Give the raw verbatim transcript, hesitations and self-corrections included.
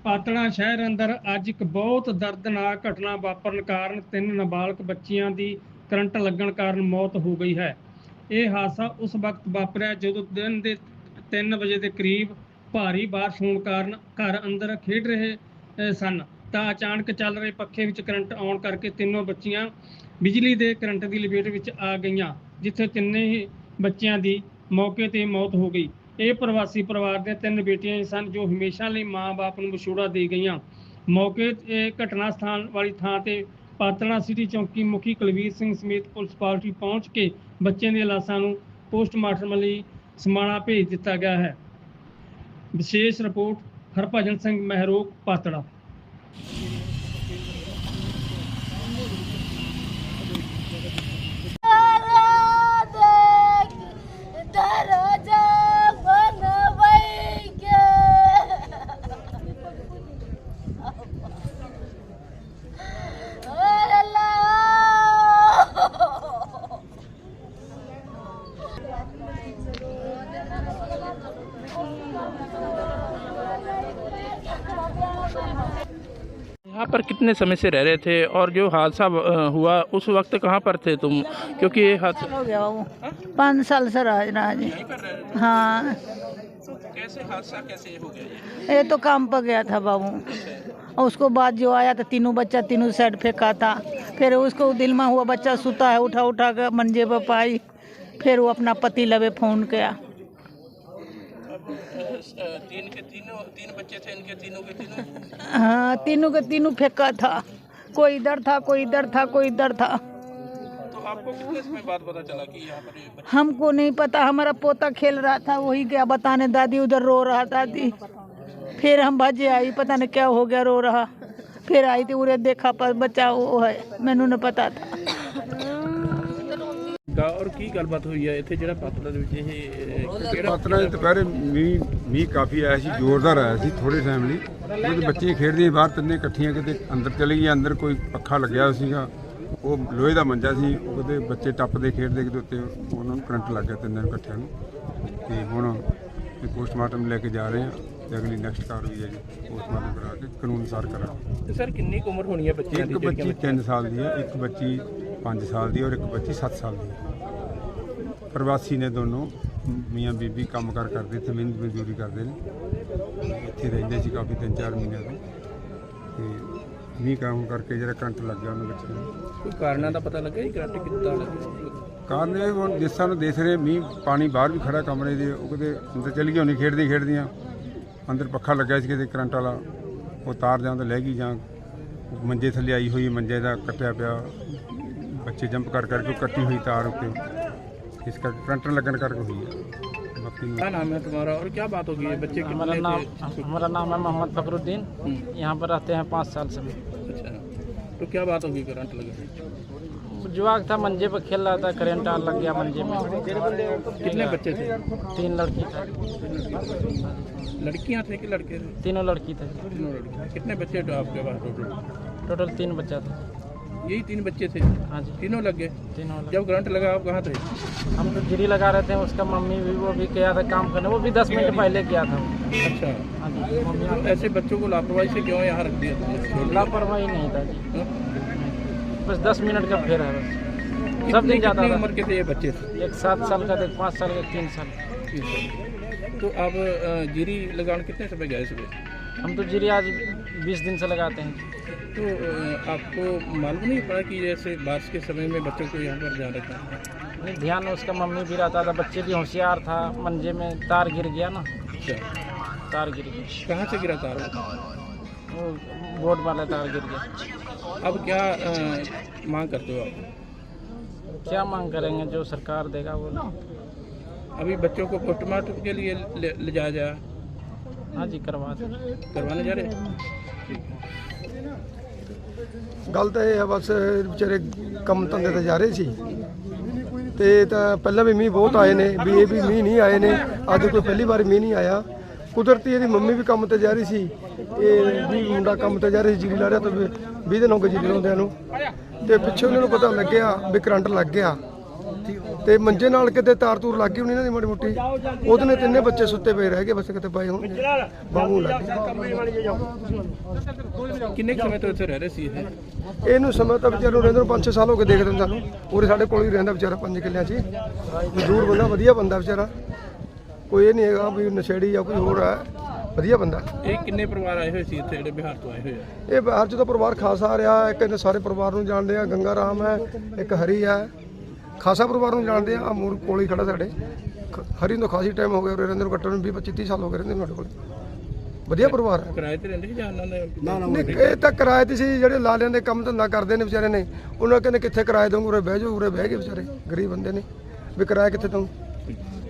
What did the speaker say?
ਪਾਤੜਾ ਸ਼ਹਿਰ ਅੰਦਰ ਅੱਜ ਇੱਕ ਬਹੁਤ ਦਰਦਨਾਕ ਘਟਨਾ ਵਾਪਰਨ ਕਾਰਨ ਤਿੰਨ ਨਾਬਾਲਗ ਬੱਚੀਆਂ ਦੀ ਕਰੰਟ ਲੱਗਣ ਕਾਰਨ ਮੌਤ ਹੋ ਗਈ ਹੈ। ਇਹ ਹਾਦਸਾ ਉਸ ਵਕਤ ਵਾਪਰਿਆ ਜਦੋਂ ਦਿਨ ਦੇ ਤਿੰਨ ਵਜੇ ਦੇ ਕਰੀਬ ਭਾਰੀ ਬਾਰਿਸ਼ ਹੋਣ ਕਾਰਨ ਘਰ ਅੰਦਰ ਖੇਡ ਰਹੇ ਸਨ ਤਾਂ ਅਚਾਨਕ ਚੱਲ ਰਹੇ ਪੱਖੇ ਵਿੱਚ ਕਰੰਟ ਆਉਣ ਕਰਕੇ ਤਿੰਨੋਂ ਬੱਚੀਆਂ ਬਿਜਲੀ ਦੇ ਕਰੰਟ ਦੀ ਲਪੇਟ ਵਿੱਚ ਆ ਗਈਆਂ, ਜਿੱਥੇ ਤਿੰਨੇ ਹੀ ਬੱਚਿਆਂ ਦੀ ਮੌਕੇ 'ਤੇ ਮੌਤ ਹੋ ਗਈ। ਇਹ ਪ੍ਰਵਾਸੀ ਪਰਿਵਾਰ ਦੀਆਂ ਤਿੰਨ ਬੇਟੀਆਂ ਸਨ ਜੋ ਹਮੇਸ਼ਾ ਲਈ ਮਾਂ-ਬਾਪ ਨੂੰ ਵਿਛੋੜਾ ਦੇ ਗਈਆਂ। ਮੌਕੇ 'ਤੇ ਘਟਨਾ ਸਥਾਨ ਵਾਲੀ ਥਾਂ 'ਤੇ ਪਾਤੜਾ ਸਿਟੀ ਚੌਂਕੀ ਮੁਖੀ ਕੁਲਵੀਰ ਸਿੰਘ ਸਮੇਤ ਪੁਲਿਸ ਪਾਰਟੀ ਪਹੁੰਚ ਕੇ ਬੱਚਿਆਂ ਦੀਆਂ ਲਾਸ਼ਾਂ ਨੂੰ ਪੋਸਟਮਾਰਟਮ ਲਈ ਸਮਾਣਾ ਭੇਜ ਦਿੱਤਾ ਗਿਆ ਹੈ। ਵਿਸ਼ੇਸ਼ ਰਿਪੋਰਟ ਹਰਭਜਨ ਸਿੰਘ ਮਹਿਰੋਕ, ਪਾਤੜਾ। यहाँ पर कितने समय से रह रहे थे और जो हादसा हुआ उस वक्त कहाँ पर थे तुम? क्योंकि ये हादसा हो गया वो पाँच साल से राज राज हाँ। तो कैसे हादसा कैसे हो गया? ये तो काम पर गया था बाबू, और उसको बाद जो आया था तीनों बच्चा तीनों साइड फेंका था। फिर उसको दिल में हुआ बच्चा सुता है, उठा उठा कर मंजे पर पाई, फिर वो अपना पति लवे फोन किया। तीन के तीनों तीन बच्चे थे, इनके तीनों के तीनों हाँ तीनों के तीनों फेंका था, कोई इधर था कोई इधर था कोई इधर था। तो आपको कितने समय बाद पता चला कि यहाँ पर ये बच्चे? हमको नहीं पता, हमारा पोता खेल रहा था, वही क्या बताने, दादी उधर रो रहा दादी। फिर हम भाजे आई, पता नहीं क्या हो गया, रो रहा। फिर आई थी उरे देखा पर बच्चा वो है, मैनू नहीं पता था। और की गलबात हुई है इत्थे ਜਿਹੜਾ ਪਾਤੜਾ ਦੇ ਵਿੱਚ ਇਹ ਪਾਤੜਾ ਦੇ ਦੁਪਹਿਰੇ ਮੀਂਹ ਮੀਂਹ ਕਾਫੀ ਆਇਆ ਸੀ, ਜ਼ੋਰਦਾਰ ਆਇਆ ਸੀ ਥੋੜੇ ਟਾਈਮ ਲਈ। ਉਹਦੇ ਬੱਚੇ ਖੇਡਦੇ ਬਾਹਰ ਤਿੰਨੇ ਇਕੱਠੀਆਂ ਕਿਤੇ ਅੰਦਰ ਚਲੀ ਗਈਆਂ। ਅੰਦਰ ਕੋਈ ਪੱਖਾ ਲੱਗਿਆ ਸੀਗਾ, ਉਹ ਲੋਹੇ ਦਾ ਮੰਜਾ ਸੀ, ਉਹਦੇ ਬੱਚੇ ਟੱਪਦੇ ਖੇਡਦੇ ਕਿਤੇ ਉੱਤੇ ਉਹਨਾਂ ਨੂੰ ਕਰੰਟ ਲੱਗ ਗਿਆ ਤਿੰਨਾਂ ਨੂੰ ਇਕੱਠਿਆਂ ਨੂੰ। ਤੇ ਹੁਣ ਇਹ ਪੋਸਟਮਾਰਟਮ ਲੈ ਕੇ ਜਾ ਰਹੇ ਹਾਂ ਤੇ ਅਗਲੀ ਨੈਕਸਟ ਕਾਰਵਾਈ ਹੈ ਜੀ ਪੋਸਟਮਾਰਟਮ ਕਰਾ ਕੇ ਕਾਨੂੰਨ ਅਨੁਸਾਰ ਕਰਾਂਗੇ। ਸਰ ਕਿੰਨੀ ਕੁ ਉਮਰ ਹੋਣੀ ਹੈ ਬੱਚਿਆਂ ਦੀ? ਇੱਕ ਬੱਚੀ ਤਿੰਨ ਸਾਲ ਦੀ ਹੈ, ਇੱਕ ਬੱਚੀ ਪੰਜ ਸਾਲ ਦੀ ਔਰ ਇੱਕ ਬੱਚੀ ਸੱਤ ਸਾਲ ਦੀ ਹੈ। ਪ੍ਰਵਾਸੀ ਨੇ ਦੋਨੋਂ, ਮੀਆਂ ਬੀਬੀ ਕੰਮ ਕਾਰ ਕਰਦੇ, ਇੱਥੇ ਮਿਹਨਤ ਮਜ਼ਦੂਰੀ ਕਰਦੇ ਨੇ, ਇੱਥੇ ਰਹਿੰਦੇ ਸੀ ਕਾਫੀ ਤਿੰਨ ਚਾਰ ਮਹੀਨਿਆਂ ਤੋਂ। ਤੇ ਮੀਂਹ ਕੰਮ ਕਰਕੇ ਜਿਹੜਾ ਕਰੰਟ ਲੱਗ ਗਿਆ ਉਹਨਾਂ ਬੱਚਿਆਂ ਨੂੰ। ਕੋਈ ਕਾਰਨਾਂ ਦਾ ਪਤਾ ਲੱਗਾ ਜੀ ਕਰੰਟ ਕਿੱਦਾਂ ਲੱਗਿਆ? ਕਾਰਨ ਇਹ ਹੁਣ ਜਿਸ ਤਰ੍ਹਾਂ ਦੇਖ ਰਹੇ ਮੀਂਹ ਪਾਣੀ ਬਾਹਰ ਵੀ ਖੜਾ ਕਮਰੇ ਦੇ, ਉਹ ਕਿਤੇ ਅੰਦਰ ਚਲੀ ਗਈ ਹੋਣੀ ਖੇਡਦੀ ਖੇਡਦੀਆਂ। ਅੰਦਰ ਪੱਖਾ ਲੱਗਿਆ ਸੀ ਕਿਤੇ ਕਰੰਟ ਵਾਲਾ, ਉਹ ਤਾਰ ਜਾਂ ਤਾਂ ਲੈ ਗਈ ਜਾਂ ਮੰਜੇ ਥੱਲੇ ਆਈ ਹੋਈ, ਮੰਜੇ ਦਾ ਕੱਟਿਆ ਪਿਆ, ਬੱਚੇ ਜੰਪ ਕਰ ਕਰਕੇ ਕੱਟੀ ਹੋਈ ਤਾਰ ਉੱਤੇ, इस का करंट लगन करके हुई है। बाकी क्या नाम है तुम्हारा और क्या बात होगी? बच्चे हमारा नाम हमारा नाम है मोहम्मद फखरुद्दीन, यहाँ पर रहते हैं पाँच साल से। अच्छा, तो क्या बात होगी करंट लगे? जुआक था, मंजे पर खेल रहा था, करंट लग गया मंजे में। कितने बच्चे थे? तीन लड़की था। लड़कियाँ थे कि लड़के थे? तीनों लड़की थे। तीनों लड़की। कितने बच्चे थे आपके पास टोटल? टोटल तीन बच्चा था। यही तीन बच्चे थे? हाँ जी, तीनों लग गए। तीनों लग। जब करंट लगा आप कहाँ थे? हम तो गिरी लगा रहे थे, उसका मम्मी भी वो भी गया था काम करने, वो भी दस मिनट पहले गया था। अच्छा, हाँ जी, मम्मी ऐसे बच्चों को लापरवाही से क्यों यहाँ रख दिया? लापरवाही नहीं था जी, बस दस मिनट का फेर है बस। सब दिन जाता था। उम्र के थे ये बच्चे? एक सात साल का था, एक पाँच साल का, तीन साल। तो आप जीरी लगाने कितने समय गए सुबह? हम तो जीरी आज बीस दिन से लगाते हैं। तो आपको मालूम नहीं पड़ा कि जैसे बारिश के समय में बच्चों को यहाँ पर ध्यान रखना है? नहीं, ध्यान उसका मम्मी भी रहता था, बच्चे भी होशियार था। मंजे में तार गिर गया ना। अच्छा, तार गिर गया। कहाँ से गिरा तार? वो बोर्ड वाला तार गिर गया। अब क्या आ, मांग करते हो आप? क्या मांग करेंगे, जो सरकार देगा वो। अभी बच्चों को पोस्टमार्टम के लिए ले, ले जाया जाए? हाँ जी, करवा दे। करवाने जा रहे हैं? ਗੱਲ ਤਾਂ ਇਹ ਹੈ ਬਸ ਵਿਚਾਰੇ ਕੰਮ ਧੰਦੇ ਤੇ ਜਾ ਰਹੇ ਸੀ ਤੇ ਤਾਂ ਪਹਿਲਾਂ ਵੀ ਮੀਂਹ ਬਹੁਤ ਆਏ ਨੇ, ਵੀ ਇਹ ਵੀ ਮੀਂਹ ਨਹੀਂ ਆਏ ਨੇ, ਅੱਜ ਕੋਈ ਪਹਿਲੀ ਵਾਰ ਮੀਂਹ ਨਹੀਂ ਆਇਆ। ਕੁਦਰਤੀ ਇਹਦੀ ਮੰਮੀ ਵੀ ਕੰਮ ਤੇ ਜਾ ਰਹੀ ਸੀ, ਇਹ ਵੀ ਮੁੰਡਾ ਕੰਮ ਤੇ ਜਾ ਰਿਹਾ ਸੀ, ਜੀਰੀ ਲਾ ਰਿਹਾ ਤਾਂ ਵੀਹ ਦਿਨ ਹੋ ਗਏ ਜੀਰੀ ਲਾਉਂਦਿਆਂ ਨੂੰ। ਤੇ ਪਿੱਛੇ ਉਹਨਾਂ ਨੂੰ ਪਤਾ ਲੱਗਿਆ ਵੀ ਕਰੰਟ ਲੱਗ ਗਿਆ ਤੇ ਮੰਜੇ ਨਾਲ ਕਿਤੇ ਤਾਰ ਤੂਰ ਲੱਗ ਗਈ ਹੋਣੀ ਇਹਨਾਂ ਦੀ ਮਾੜੀ ਮੋਟੀ, ਉਹਦੇ ਨੇ ਤਿੰਨੇ ਬੱਚੇ ਸੁੱਤੇ ਪਏ ਰਹਿ ਗਏ, ਬਸ ਕਿਤੇ ਪਏ ਹੋਣਗੇ ਬਾਹੂ ਲੱਗ ਗਈ। ਕਿੰਨੇ ਕੁ ਸਮੇਂ ਤੋਂ ਇੱਥੇ ਰਹਿ ਰਹੇ ਸੀ ਇਹ? ਇਹਨੂੰ ਸਮਾਂ ਤਾਂ ਵਿਚਾਰੇ ਨੂੰ ਰਹਿੰਦੇ ਨੂੰ ਪੰਜ ਛੇ ਸਾਲ ਹੋ ਗਏ ਦੇਖਦੇ ਨੂੰ ਸਾਨੂੰ। ਉਰੇ ਸਾਡੇ ਕੋਲ ਹੀ ਰਹਿੰਦਾ ਵਿਚਾਰਾ ਪੰਜ ਕਿੱਲਿਆਂ 'ਚ ਹੀ। ਮਜ਼ਦੂਰ ਬੰਦਾ, ਵਧੀਆ ਬੰਦਾ ਵਿਚਾਰਾ, ਕੋਈ ਇਹ ਨਹੀਂ ਹੈਗਾ ਵੀ ਨਸ਼ੇੜੀ ਜਾਂ ਕੋਈ ਹੋਰ ਹੈ, ਵਧੀਆ ਬੰਦਾ। ਇਹ ਕਿੰਨੇ ਪਰਿਵਾਰ ਆਏ ਹੋਏ ਸੀ ਇੱਥੇ ਜਿਹੜੇ ਬਿਹਾਰ ਤੋਂ ਆਏ ਹੋਏ ਆ? ਇਹ ਬਾਹਰ 'ਚ ਤਾਂ ਪਰਿਵਾਰ ਖਾਸਾ ਆ ਰਿਹਾ, ਇੱਕ ਇਹਨੇ ਸਾਰੇ ਪਰਿਵਾਰ ਨੂੰ ਜਾਣਦੇ ਆ, ਗੰਗਾ ਰਾਮ ਹੈ, ਇੱਕ ਹਰੀ ਹੈ, ਖਾਸਾ ਪਰਿਵਾਰ ਨੂੰ ਜਾਣਦੇ ਆ। ਆ ਮੂਰ ਕੋਲ ਹੀ ਖੜਾ ਸਾਡੇ, ਖ- ਹਰੀ ਨੂੰ ਖਾਸੀ ਟਾਈਮ ਹੋ ਗਿਆ ਉਰੇ ਰਹਿੰਦੇ ਨੂੰ, ਘੱਟੋ ਘੱਟ ਵੀਹ ਪੱਚੀ ਤੀਹ ਸਾਲ ਹੋ ਗਏ ਰਹਿੰਦੇ ਨੂੰ ਸਾਡੇ ਕੋਲ। ਵਧੀਆ ਪਰਿਵਾਰ ਹੈ। ਕਿਰਾਏ ਤੇ ਰਹਿੰਦੇ ਸੀ ਜਾਂ ਉਹਨਾਂ ਨੇ? ਨਹੀਂ, ਇਹ ਤਾਂ ਕਿਰਾਏ ਤੇ ਸੀ, ਜਿਹੜੇ ਲਾਲਿਆਂ ਦੇ ਕੰਮ ਧੰਦਾ ਕਰਦੇ ਨੇ ਵਿਚਾਰੇ ਨੇ, ਉਹਨਾਂ ਕਹਿੰਦੇ ਕਿੱਥੇ ਕਿਰਾਏ ਦਊਂਗੇ, ਉਰੇ ਬਹਿ ਜਾਓ, ਉਰੇ ਬਹਿ ਗਏ ਵਿਚਾਰੇ, ਗਰੀਬ ਬੰਦੇ ਨੇ, ਵੀ ਕਿਰਾਇਆ ਕਿੱਥੇ ਦਊਂ।